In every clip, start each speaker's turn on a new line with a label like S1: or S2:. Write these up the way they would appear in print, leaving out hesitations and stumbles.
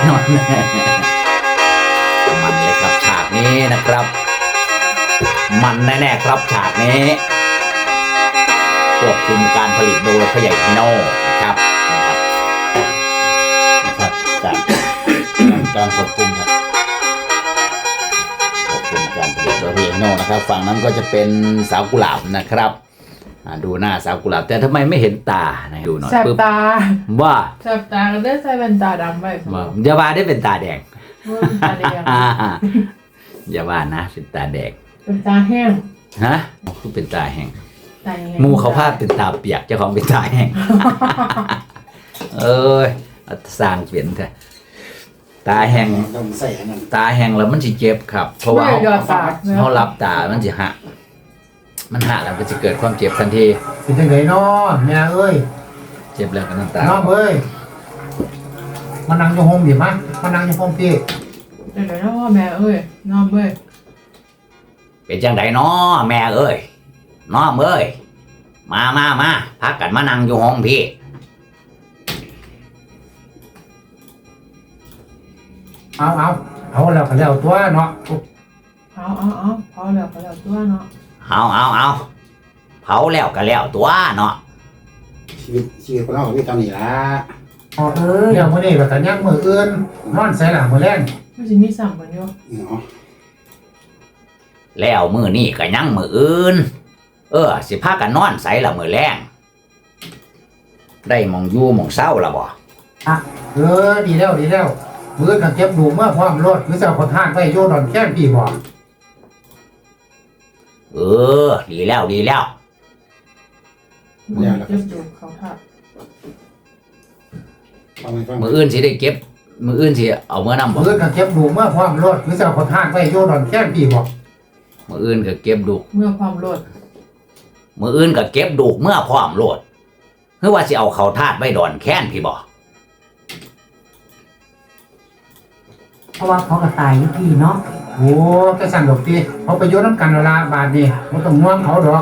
S1: นอนมันเลยครับฉากนี้นะครับ มันแน่ๆครับฉากนี้ควบคุมการผลิตโดยพ่อใหญ่พี่โน่นะครับจากการควบคุมครับควบคุมการผลิตโดยพ่อใหญ่พี่โน่นะครับฝั่งนั้นก็จะเป็นสาวกุหลาบนะครับดูหน้าสาวกุหลาบแต่ทำไมไม่เห็นตานะดูหน่อย
S2: แสบตา
S1: ว่า
S2: แสบตาก็ได้ใส่แว่นตาดำไป
S1: อย่าว่าได้เป็นตาแดง
S2: เป็นตาแดง
S1: อย่าว่านะเป็นตาแดง
S2: เป็นตาแห้ง
S1: ฮะคือเป็นตาแห้ง
S2: ตาแห้ง
S1: มูเขาพาเป็นตาเปียกเจ้าของเป็นตาแห้ง เอ้ยสร้างเปลี่ยนเถอะตาแห้ง
S3: ต้องใส่อันนั้น
S1: ตาแห้งแล้วมันสิเจ็บครับ เพราะว่า
S2: ไม่ยอดตา
S1: เขารับตามันสิหักมันหักแล้วมันจะเกิดความเจ็บทันที
S3: เป็นจังไดน้อแม่เอ้ย
S1: เจ็บแล้วก็น้ำตา
S3: น้องเอ้ยมานั่งอยู่ห้องดิมั้ยมานั่งอยู่ห้องพี่
S2: เดี๋ยวนะว่าแม่เอ้ยน้องเอ้ย
S1: เป็นจังไดน้อแม่เอ้ยน้อมเอ้ยมาพักกันมานั่งอยู่ห้องพี่
S3: เอาแล้วก็แล้วตัวเนาะ
S2: เอาพอแล้วตัวเนาะ
S1: เอาเผาแล้วก็แล้วตัวเนาะ
S4: ชีวิตคนเราก็มีเท่านี้ละ
S3: เอ้ยเดี๋ยวมื้อนี้ก็ยังมื้ออื่นนอนใส่หลังมื้อแลง
S2: มันจะมีสั่งกันอยู่
S4: เนาะ
S1: แล้วมือนี่ก็ยังมืออื่นสิพากันนอนใสละมือแรงได้หมองอยู่หมองเศร้าละบ่
S3: ดีแล้วมื้อก็เก็บดูเมื่อพร้อมรถคือจะเอาขอทานไว้อยู่ดอนแค้นพี่บ่
S1: ดีแล้ว
S2: เจ็บดูเขาทับ
S4: ฟังไหมฟัง
S1: มืออื่นสิได้เก็บ มืออื่นสิเอาเมื่อนำบ่
S3: มื้อก็เก็บดูเมื่อพร้อมรถคือจะเอาขอทานไว้อยู่ดอนแค้นพี่บ่
S1: มืออื่นก็เก็บดุก
S2: เมื่อความโลด
S1: มืออื่นก็เก็บดุกเมื่อพร้อมโลดคือว่าสิเอาเขาทาดไว้ดอนแค้นพี่บ่
S5: เพราะว่าเขาก็ตายอยู่พี่เนาะ
S3: โอ้แต่สั่นดอกติเขาไปอยู่นำกันแล้วล่ะบาดนี้บ่ต้องห่วงเขาดอก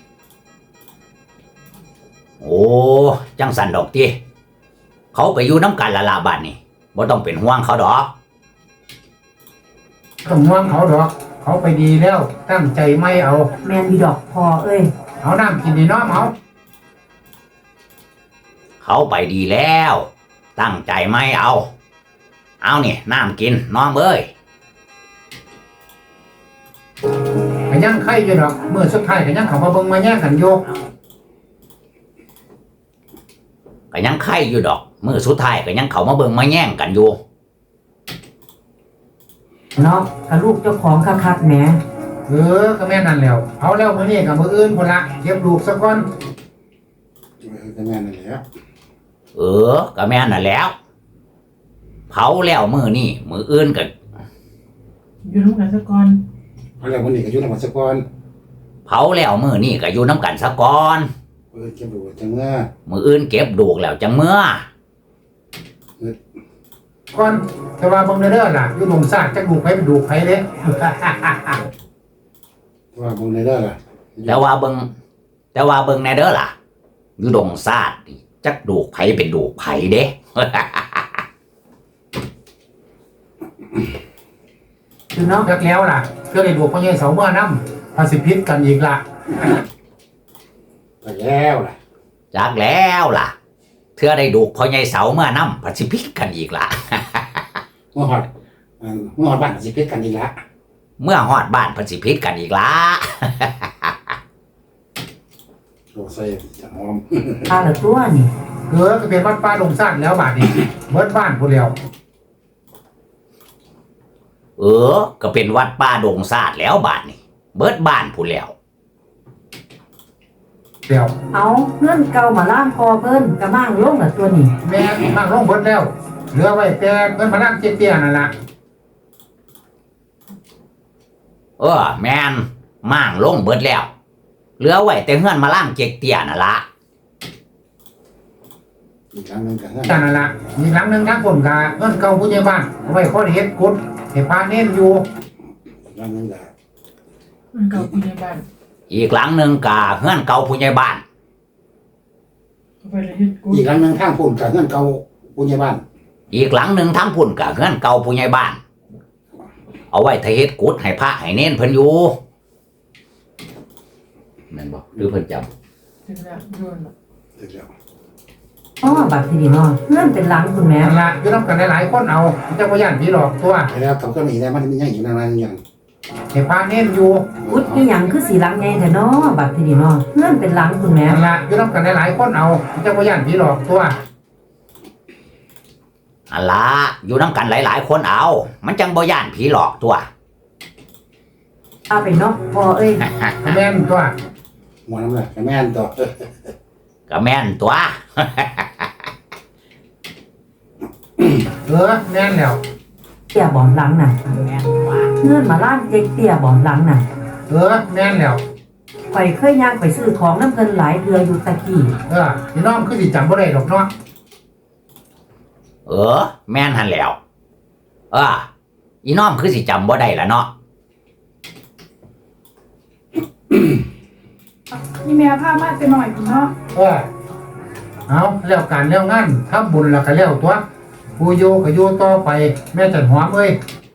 S1: โอ้จังสันดอกติเขาไปอยู่น้ำกันละลาบัดนี่บ่ต้องเป็นห่วงเขาดอก
S3: ต้องห่วงเขาดอก เขาไปดีแล้วตั้งใจไม่เอา
S5: แมนดีดอกพอเอ้ย
S3: เอาน้ำกินดีน้อมเอา
S1: เขาไปดีแล้ว ตั้งใจไม่เอานี่น้ำกินน้องเอ้ย
S3: ก็ยังไข่อยู่ดอกเมื่อสุดท้ายก็ยังเข้ามาเบิ่งมาแย่งกันอยู่
S1: ก็ยังไข่อยู่ดอกมือสุดท้ายก็ยังเขามาเบิ่งมาแย่งกันอยู่
S5: เนาะกับลูกเจ้าของคักๆแหม
S3: ก็แม่นั่นแล้วเอาแล้วมื้อนี้กับมื้ออื่นพุ่นละเก็บลูกซะก่อน
S4: ก็แม่นั่นแหละ
S1: ก็แม่นน่ะแล้วเผาแล้วมือนี่มืออื่นก็
S2: อยู่ร่วมกันสักก่อน
S4: เอาแล้ววันนี้ก็อยู่ในวัดสกร
S1: เผาแล้วมือนี่ก็อยู่น้ำกันซะก่อน
S4: เก็บดูจังเมื่อ
S1: มืออื่นเก็บดูกแล้วจังเมื่อ
S3: ก่อนแต่ว่าเบิ่งเด้อล่ะอยู่ลงซากจักลูกไผเป็นลูกไผเด้
S4: ว่าบุญในเด้อล่ะ
S1: แต่ว่าเบิ่งแน่เด้อล่ะอยู่ดงซาดนี่จักดูกไผเป็นดูกไผเด้
S5: อยู่เนาะ
S3: จักแล้วล่ะเพื่อได้ลูกพ่อใหญ่เสาเมื่อนำภาสิพิษกันอีกล่ะ
S4: ไปแล้วล่ะ
S1: จากแล้วล่ะเธอได้ดูกพ่อใหญ่เสาเมื่อนำพัสิพิษกันอีกล่ะ
S4: เมื่อหอดบ้านสิเพชรกันอีกละ
S1: เมื่อฮอดบ้านพัสิพิษกันอีกล่ะ
S4: โอ้ใส่จะหอม
S5: พาละตัวนี่
S3: ก็เป็นวัดป่าลงซากแล้วบาดนี้เบิดบ้านพุ่นแล้ว
S1: ก็เป็นวัดป่าดงซาดแล้วบาดนี่เบิดบ้านผู้นแล้ว
S3: เดี๋ยว
S5: เอาเงื่อนเก่ามาล่างพอเพิ่นกระมั่งลงละตัวนี่
S3: แม่นั่งลงเบิดแล้วเหลือไว้แต่เพิ่นมานั่งเตี้ยๆนั่นล่ะ
S1: แม่นม่างลงเบิดแล้วเหลือไว้แต่เฮือนมาล่างเจกเตี้ยน่ะละ
S4: อีกครั้งหนึงกัน
S3: จังนั่นล่ะมีหลังหนึงทางคนก็เงินเก่าผู้ใหญ่บ้านเอาไว้ขอเฮ็ดกุดให้พาเน้นอยู่
S4: อีกครั้งหนึงก็
S2: มันเก่าคุณในบ้าน
S1: อีกหลังหนึ่งกาเฮือนเก่าผู้ใหญ่บ้าน
S2: เอาไปเลยเฮ็ดกู
S4: อีกครั้งหนึงข้างพุ่นกับเงินเก่าปุญญาบ้าน
S1: อีกหลังหนึ่งทั้งพุ่นกับเฮือนเก่าผู้ใหญ่บ้าน เอาไว้ทเฮ็ดกุดให้พระให้เน้นเพิ่นอยู่แม่นบ่หรือเพิ่นจำ
S2: ถึงแล้วโดนละ
S4: ถึงแล้ว
S5: อ๋อบัดทีนี้เนาะเงื่อนเป็นหลังคุณแม่
S3: นั่นละอยู่น้ำกันหลายๆคนเอาเจ้าพ่อย่านผีหลอกตัว
S4: ไปแล้วเขาก็มีได้มันมีอย่างอยู่นานๆอย่าง
S3: ให้พาเน้นอยู่
S5: อุดอีหยังคือสีหลังใหญ่แท้เนาะบัดทีนี้เนาะเงื่อนเป็นหลังคุณแม่
S3: นั่นละอยู่น้ำกันหลายๆคนเอาเจ้าพ่อย่านผีหลอกตัว
S1: อันละอยู่น้ำกันหลายๆคนเอา มันจังบ่ย่านผีหลอกตัว
S5: เอาไปเนาะพอเอ้ย
S3: แม่นตัว
S4: หมอน้ำเลยแม่นต่อ
S1: ก็แม่นตัว
S3: แม่นแล้ว
S5: เตี้ยบ่หลังน่ะเงื่อนมาล่างเจ๊กเตี้ยบ่หลังน่ะ
S3: แม่นแล้ว
S5: ข่อยเคยย่างไปซื้อของน้ำเพิ่นหลายเทื่ออยู่ตะกี้
S3: พี่น้องคือสิจำบ่ได้ดอกเนาะ
S1: แม่นหันแล้ว อีน้อมคือสิจำบ่ได้ละเนาะ
S6: นี่แม่พามาไปหน่อยคุณเนาะ
S3: เอาแล้วการแล้วงานทำบุญแล้วก็แล้วตัวผู้อยู่ก็อยู่ต่อไปแม่จันหอมเอ้ย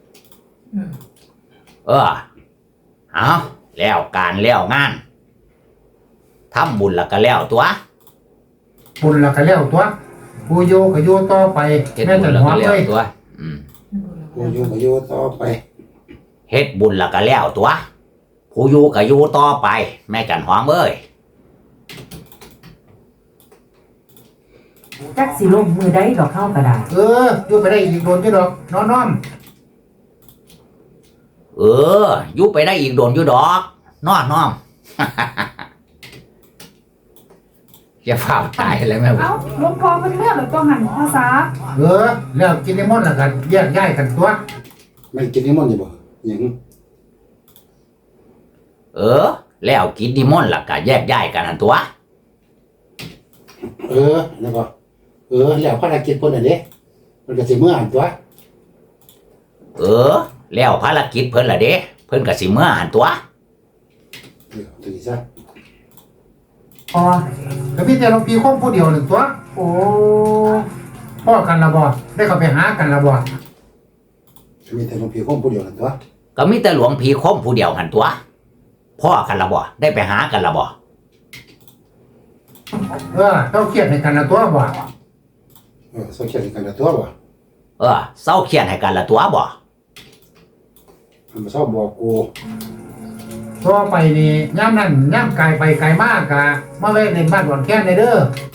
S1: เอาแล้วการแล้วงานทำบุญแล้วก็แล้วตัว
S3: บุญแล้วก็แล้วตัวผู้อยู่ก็อยู่ต่อไป
S1: เฮ็ด
S3: แม่
S1: บุ
S3: จั
S1: ญ
S3: น
S1: แล้ว
S3: หอ
S1: ก็
S3: ม
S1: แล้ว
S3: เอ้ย
S1: ตัว
S4: กูอยู่ต่อไป
S1: เฮ็ดบุญแล้วก็แล้วตัว ผู้อยู่ก็อยู่ต่อไป แม่จันหอมเอ้ย
S5: จักสิลงมือได้ดอกเข้าก็ได้
S3: อยู่ไปได้อีกโดนอยู่ดอกน้อม
S1: อยู่ไปได้อีกโดนอยู่ดอกน้อม จะฝ่าตายเลยแม่
S6: เอ้าหลวงพ่อเป็นเมื่อหรือก็หันภาษา
S3: แล้วกินนิมนต์แล้วกันแยกย้ายกันตัว
S4: ไม่กินนิมนต์อยู่บ่อย่าง
S1: แล้วกินนิมนต์แล้วก็แยกย้ายกันหั่นตัว
S4: แล้วก็แล้วภารกิจเพิ่นน่ะเด้มันก็สิเมื่อหันตัว
S1: แล้วภารกิจเพิ่นล่ะเด้เพิ่นก็สิเมื่อหั่นตัว
S4: ถึงซะ
S5: พอ
S3: ก็มีแต่หลวงพี่คงผู้เดียวหนึ่งตัว
S5: โอ้
S3: พ่อกันละบ่ได้เข้าไปหากันละบ่
S4: มีแต่หลวงพี่คงผู้เดียวนั่นตัว
S1: ก็มีแต่หลวงพี่คมผู้เดียวหั่นตัว พ่อกันละบ่ได้ไปหากันละบ่
S3: เจ้าเครียดให้กันละตัวบ่
S4: โซเชียลกันละตัวบ่
S1: เศร้าเครียดให้กันละตัวบ่
S4: มันบ่ชอบบอกกู
S3: ต่อไปนี่ย่ำนั่นย่ำไกลไปไกลมากกะมาเว้ในบ้านหวานแค่ในเด้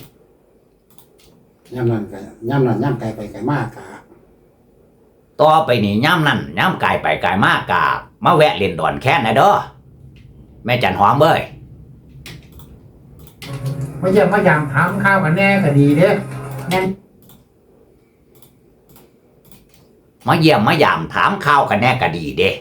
S3: อย่
S4: ำนั้นย่ำไกลไปไกลมากกะ
S1: ต่อไปนี่ย่ำนั่นย่ำกายไปกายมากกะมาแวะเล่นดอนแค้นนะเด้อแม่จันหอมเอ้ย
S3: มาเยี่ยมมายามถามข้าวกันแน่ก็ดีเด้
S5: แม่น
S1: มาเยี่ยมมายามถามข่าวกันแน่ก็ดีเด้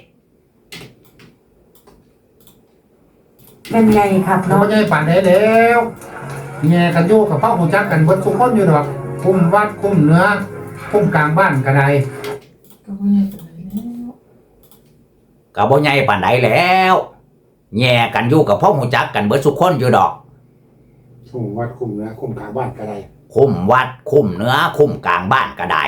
S5: แม่นใหญ่ครับ
S3: เรา
S5: เนาะ
S3: ไม่ใช่ป่านใดแล้วแง่กันอยู่กับพ่อหูจักกันเบิดทุกคนอยู่ดอกคุมวัดคุมเนื้อคุมกลางบ้านก็ได้
S2: ก็ไม่ใช่เป็นไรแล้ว
S1: ก็บ่ใหญ่ปานใดแล้วแย่กันอยู่กับพ่อหูจักกันเบิดสุกคนอยู่ดอก
S4: คุมวัดคุมเนื้อคุมกลางบ้านก็ได้
S1: คุมวัดคุมเนื้อคุมกลางบ้านก็ได้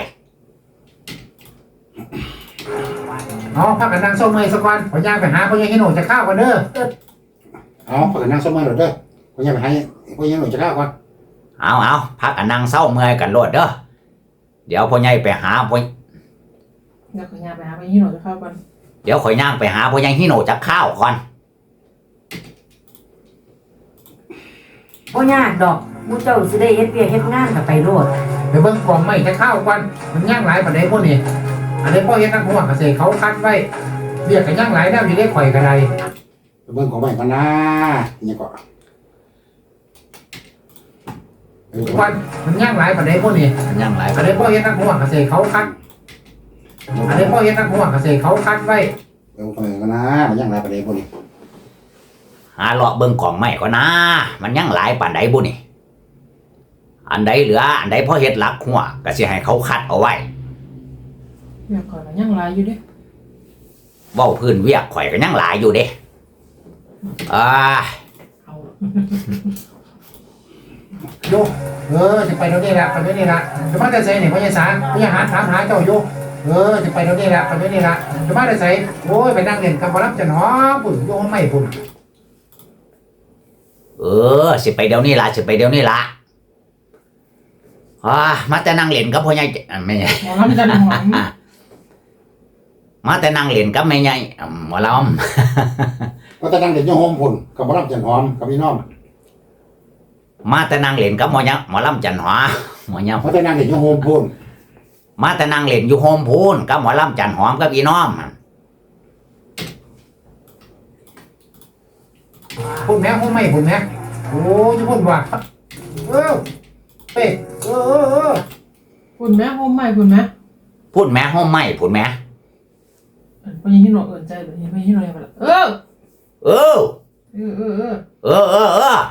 S3: เอาพักกันนั่งส้มเมย์สักวันพอย่างไปหาพ่อใหญ่ให้หนูจะข้าวกันเด้อ
S4: เอาพากันนั่งสมาธิเด้อพอยังไปให้พอยังหนูจะข้าวก่อน
S1: เอาพักกันนั่งเศร้าเมื่อยกันโลดเด้อเดี๋ยวพ่อใหญ่ไปหาพ่อ
S2: เดี๋ยวขอยาไปหาไปยี่หนูจะเข้ากัน
S1: เดี๋ยวข่อยย่างไปหาพ่อใหญ่ฮิโนจักข้าวก่อน
S5: บ่ยากดอกมูเจ้าสิได้เฮ็ดเวียกเฮ็ดงานก็ไปโลด
S3: ไปเบิ่งกล่องไม่จะข้าวกันมันย่างหลายปานใดพวกนี้อันนี้พ่อเฮ็ดนักหัวเกษตรเขาคัดไว้เรียกกันย่างหลายแล้วอยู่ได้ข่อยก็ได้
S4: ไปเบิ่งของใหม่ก่อนนะนี่ก็
S3: วันมันย่างหลายปานใดพวกนี้
S1: ย่างไร
S3: อันนี้พ่อเฮ็ดนักหัวเกษตรเขาคัดอันนี้พ่อเฮ็ดนักหัวเกษตรเขาคัดไว้
S4: เบิ่งของใหม่ก่อนนะมันยังหลายประเด็นพวกนี้
S1: หาเลาะเบิ่งของใหม่ก่อนนะมันยังหลายปานใดบุนี่อันใดเหลืออันใดพ่อเฮ็ดหลักหัวก็สิให้เขาคัดเอาไว้
S2: เดี๋ยวก่อนนะยังไรอยู่เด้
S1: เว้าพื้นเวียกข่อยก็ยังหลายอยู่เด้
S2: เอา
S3: โยจะไปเดี๋ยวนี้ละไปเดี๋ยวนี้ละจะมาแต่ใส่เนี่ยพญาสารพญาหารถามหาเจ้าโยจะไปเดี๋ยวนี้ละไปเดี๋ยวนี้ละจะมาแต่ใส่โอ้ยไปนั่งเล่นกับบ่รับจันหอปุ่นโยไม่ปุ่น
S1: สิไปเดี๋ยวนี้ละสิไปเดี๋ยวนี้ละมาแต่นั่งเล่นกับพ่อใหญ่ไม่ใหญ่
S2: หมอลำจันหอม
S1: มาแต่นั่งเล่นกับแม่ใหญ่หมอล
S4: ก็จะนั่งเด็กยงโฮมพุ่นกับบ่รับจันหอมกับพี่น้อง
S1: ำมาแต่นั่งเล่นกับหมอลำจันหอหมอย
S4: ก็จะนั่งเด็กยงโฮมพุ่น
S1: ำมาแต่นั่งเล่นอยู่โฮมพูนกับหมอลำจันหอมกับอีน้อม
S3: ปุ่นแม่ห้องไม่ปุ่นแม่โอ้จะปุ่นว่ะเป๊ะ
S2: พุ่นแม่โฮมใหม่พุ่นแม่
S1: พูดแม่ห้องไม่พูดแม่
S2: พอยังที่หนูเอินใจแบบนี้พอยังที่หนูยังไปละเออ
S1: เออ
S2: เออเออเออ
S1: เออเออเออ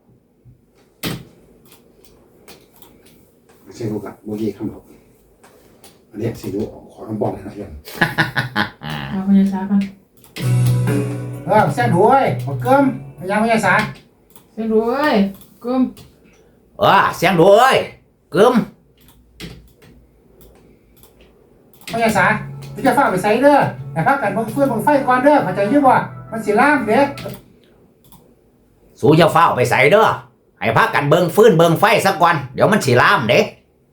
S4: ไม่ใช่ลูกอะโมกี้คำหรอกอันนี้สิดูขอคำบอกเลยนะยัน
S2: มาพยาช้ากัน
S3: แซ่บด้วยบักเกิมพญาพญาสาร
S2: เส้นรู้เอ้ยกึม
S1: เสียงด้วยกึม
S3: พญาสารพี่จะฝากไปใส่เด้อแต่พักกันเบิ่งเฟื่องเบิ่งไฟก่อนเด้อเข้าใจอยู่บ่มันสิล่ามเด็ก
S1: สู้จะเฝ้าไปใส่เด้อให้พักกันเบิงฟื้นเบิงไฟสักวันเดี๋ยวมันสิลามเด้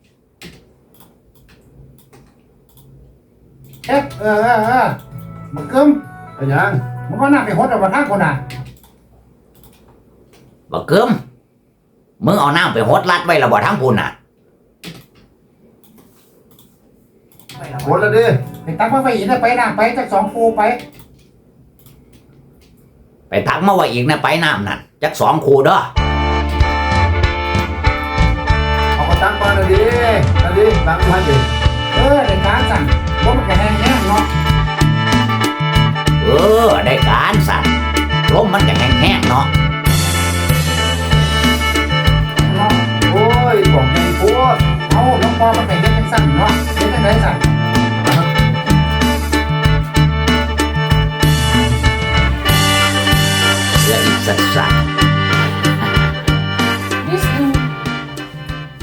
S3: บักเกิม
S4: เป็นยัง
S3: มึงก็น่าไปหดเอาบ่ทางคนน่ะ
S1: บ่กึมมึงเอาน้ำไปหดลัดไว้และบ่ทั้งพูนน่ะ
S3: หดแล้วเด้อไปตักมาไฟอีกนะไปน้ำไปจัก2ปูไป
S1: ไปตักมาไว้อีกนะไปน้ำนั่นจัก2 คูเด้อ
S3: เอาก็ตักมาแล้วดิตักมาดิได้การสั่นบ่มันก็แห้งๆเนาะ
S1: ได้การสั่นลมมันก็แห้งๆเนาะ
S3: โอ้ยบอกไงโคตรเอาน้องปอมันไปเฮ็ดจังซั่นเนาะเฮ็ดจังได๋สั่น
S1: และอีกสัก